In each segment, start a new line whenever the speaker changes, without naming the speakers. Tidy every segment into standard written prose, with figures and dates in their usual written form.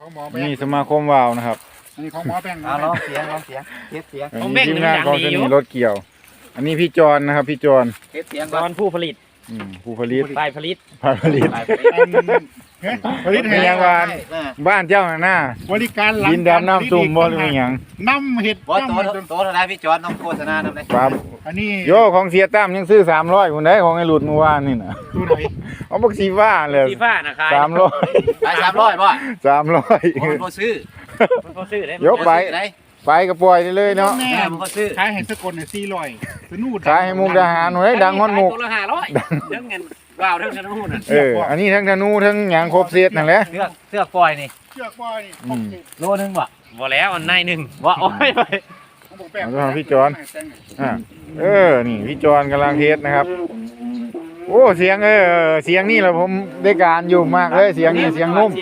ของหมอแบง
นี่สมาคมวาวนะครับ
อันนี้ของหมอแบง
ลองเสียงเทสเสียง
อันนี้ทีมงานของสนีรถเกี่ยว อันนี้พี่จรนะครับพี่จร
เทสเสียง
ตอนผู้ผลิต
ผู้ผลิต
ฝ่ายผลิต
ฝ่ายผลิต
ผลิต
มี
ให้
ยังวานบ้านเจ้าหน้า
บริการหลัง
ดินดำน้ำซุ่มบ่หรือหยัง
น้ำเห็ด
ว่า
น้ำ
โตเท่าไรพี่จอนน้องโฆษณาทำไร
ครับ
อันนี้
โยของเสียตั้มยังซื้อ300คนได้ของไอ้หลุดเมื่อวานนี่นะ
ตัวไหน
เอาบักสีฟ้าเลย
สีฟ้านะคาย
300
ไป300ป่ะ
300
มันก็ซื้อ
มันพอซื้อได้
ยกไปไปก็ปล่อยได้เลยเนาะ
แม่
แม่มันก็ซื้อ
ขายให้สกลเนี่ย400สนุด
ขายให้มุกดาหารหน่อยดังฮอดมุก
ตัวละ500เรื่องเงินว้าวเรื่องเงินหุ้นน่ะ
อันนี้ทั้งธนูทั้งหยังครบเซตนั่นแหละ
เสื้อปล่อยนี่
เชือกบ่อยนี่
โลนึงบ่
บ่แล้วอันในหนึ่งว่าโอ้ยไป
ของผมแปลก
เอาพี่จอนนี่พี่จอนกำลังเทสนะครับ โอ้เสียงเสียงนี่แหละผมได้การอยู่มากเลยเสียงนี่เสียงนุ่ม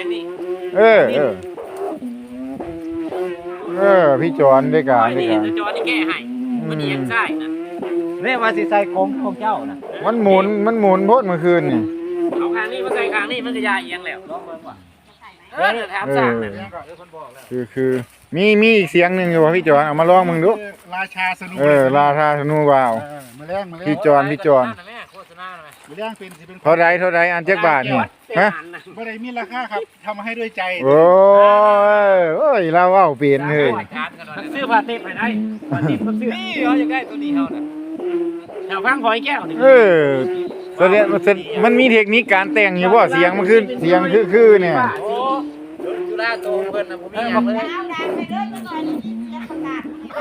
พี่จอนได้การได้
นี่
การ
จอนี่แก้ให้มันเอียงซ้ายนะ
เนี่ยว่าสิใส่ของเจ้านะ
มันหมุนโพดเมื่อคืนนี่
เอาข้างนี้มาใส่ข้างนี้มันก็ยาเอียงแล้ว
ลองเบิ่งว่ะ
แถมสร้างน่ะ
คือมีอีกเสียงหนึ่งอยู่พี่จอนเอามาลองมึงดู
ราชาสนุ
ราธาธนูวาว
มาแรง
พี่จอน
โฆษณาหน่อย
มาแรงเป็นสิเป็น
เท่าไรอันเจ็กบาทนี่ฮะ
บ่ได้มีราคาครับทำให้ด้วยใจ
โอ้ยเราเอาเปลี่ยนเลย
ซื้อผ้าเต็มให้ได้ผ้าเต็มก็ซื้อนี่เขาอยากได้ตัวนี้เขาน่ะแถวฟังพอยแก้วนี่
แสดงมันมีเทคนิคการแต่งอยู่บ่เสียงมันขึ้นเสียงคือเนี่ย
โอ้จุฬาโตเพิ่นน่ะบ่มีหยังเลย
เอาดังไปเรื่อยก่อนจะประกาศ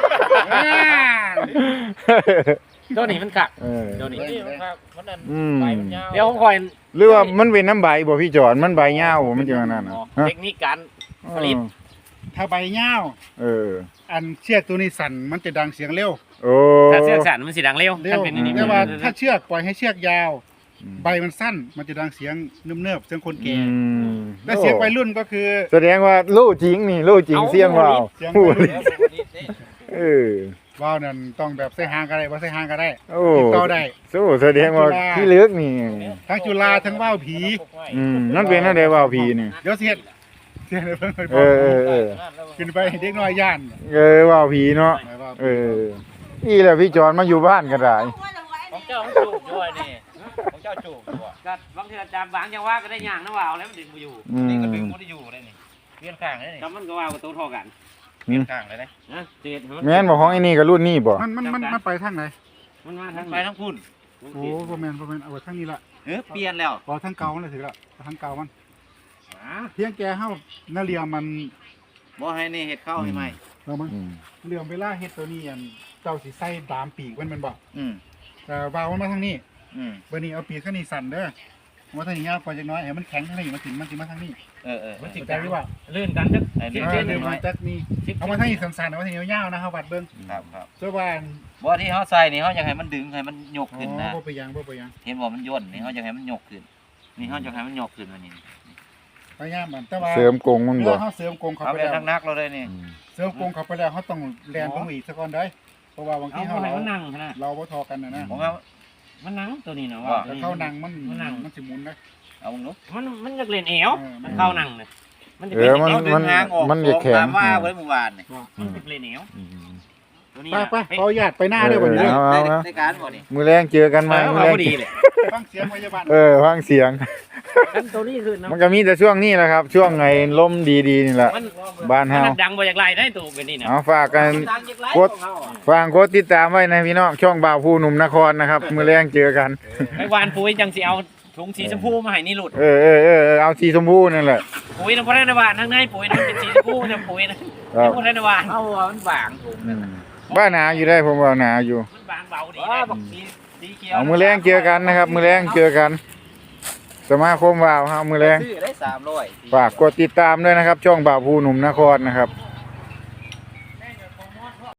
ตัวนี้มันคัก
ตัว
นี้มันคักมันนั่น
ใบ
มันยาวเดี๋ยวผมคอย
หรือว่ามันเป็นน้ำใบบ่พี่จอนมันใบยาวบ่มันจะนั่นน่ะ
เทคนิคการผลิต
ถ้าใบเง่าอันเชือกตัวนี้สั่นมันจะดังเสียงเร็ว
ถ้าเสือกสั่นมันสิดังเร็วถ้าเป็นอันนี้
แต่ว่าถ้าเชือกปล่อยให้เชือกยาว ใบมันสั้นมันจะดังเสียงเนิบๆเสียงคนแก่และเสียงวัยรุ่นก็คือ
แสดงว่าลู่จริงนี่ลู่จริงเสียงว่าว
เสียง
พู
วั
ด
ยรุ่น
เ
ว่าวนั่นต้องแบบใส่หางก็ได้บ่ใส่หางก็ได้
โอ้
ติดต่อได้
สู้แสดงว่าพี่ลึกนี่
ทั้งจุฬาทั้งว่าวผี
นั่นเป็นอะไรว่าวผีนี่
เดี๋ยวเสียดเสียดเพิ่นไป
เออ
ขึ้นไปให้เด็กน้อยย่าน
ว่าวผีเนาะนี่แหละพี่จอนมาอยู่บ้านก็ได้
ของเจ้าจูบด้วยนี่ของเจ้าจูบด้วยก็บางทีอาจารย์บางจังว่าก็ได้ย่างนะว่าวแล้วมันดึงมาอยู่นี่ก็ดึงบ่ได้อยู่เลยนี่เปลี่ยนข้างเลยนี่ก็มันก็ว่าวกับตัวเท่ากันเปลี่ยนข้างเลยนะเจ็ด
แม่นบอกของไอ้นี่กับรุ่นนี่บ่
มันไปทางไหน
มันมาทั้ง
ไปทั้งพุ่น
โอ้บ่แม่นเอาไว้ทางนี้ละ
เปลี่ยนแล้ว
บ่ทางเก่ามันเลยถึงละทางเก่ามันเพียงแกเฮานาเรียมัน
บ่ให้นี่เฮ็ดเข้าให้ใหม่
เรามันเรื่องเวลาเฮ็ดตัวนี้อันเจ้าสิใส่ดามปีกมันบ่
อืม
แต่วาวมันมาทางนี้
อืม
บัดนี้เอาปีกข้างนี้สั่นเด้อมาทางนี้ยาวกว่าจักหน้อยให้มันแข็งทางนี้มันสิมาทางนี้
มันสิ
เข้าใจหรือเปล่า
ลื่นกันจัก
เดี๋ยวมันจักนี่เอามาทางนี้สั่นๆเอามาทางนี้ยาวๆนะเฮาวัดเบิ่ง
ครับ
ส่วนว่า
บ่ที่เฮาใส่นี่เฮาอยากให้มันดึงให้มันยกขึ้นนะ
บ่ไปยัง
เห็นบ่มันย่นนี่เฮาอยากให้มันยกขึ้นนี่เฮาอยากให้มันยกขึ้นวันนี้
พยายามมันแต่ว่า
เสริมกงมัน
เว
บ่
ลาเฮาเสริมกรงเข้า
เอา
ไป
ไป
แล้ว
นักๆเราเลยนี่
เสริมกรงเข้าไปแล้วเฮาต้องแล่นลงอีกซะก่อนได้เพราะว่าบาง
เอา
ทีเฮา
ให้มันนั่งนะ
เราบ่ทอกันนะ
ผมเอา
มันนั่งตัวนี้นะว่า
ถ้าเข้านั่งมันสิหมุนนะ
เอามึงเนาะ
มันอยากเล่นแอวมันเข้านั่งเลยมันจะ
เอ
เป็น
อ
แอว
มันจะแข็ง
ตามว่าไว้เมื่อวานนี่
มันจะเล่นแอวตัวนี้
ไปขออนุญาตไปหน้าด้วยบ่นี่
ได้การบ่นี่
มือแรงเจอกันไหมมือแรง
ดีเลย
ฟังเสียงพยาบาล
ฟังเสียง
กันตัวนี้คือ
มันก็มีแต่ช่วงนี้แหละครับ ช่วงไงลมดีๆนี่แหละ
มัน
บ้านเฮา
ดังบ่อยากไล่ได้ตัวเป็นนี่นะ
เอาฝากกันกดติดตามไว้นะพี่น้องช่องบ่าวผู้หนุ่มนครนะครับมือแรงเจอกัน
ไปวานปุ๋ยจังสิเอาถุงสีชมพูมาให้นี่หลุด
เอาสีชมพูนั่นแหละ
ปุ๋ยน้ำพระนาวานทั้งในปุ๋ยน้ำเป็นสีชมพูน้ำปุ๋ยนะน้ำพระนาวานเอามันบางถุง
บ้านหนาอยู่ได้ผมว่าหนาอยู่
มันบางเบาดีนะสีเขียว
เอามือแรงเจอกันนะครับ มือแรงเจอกัน สมาคมบ่าวฮะมือแรง
ซื้อได้300
ฝากกดติดตามด้วยนะครับ ช่องบ่าวผู้หนุ่มนครนะครับ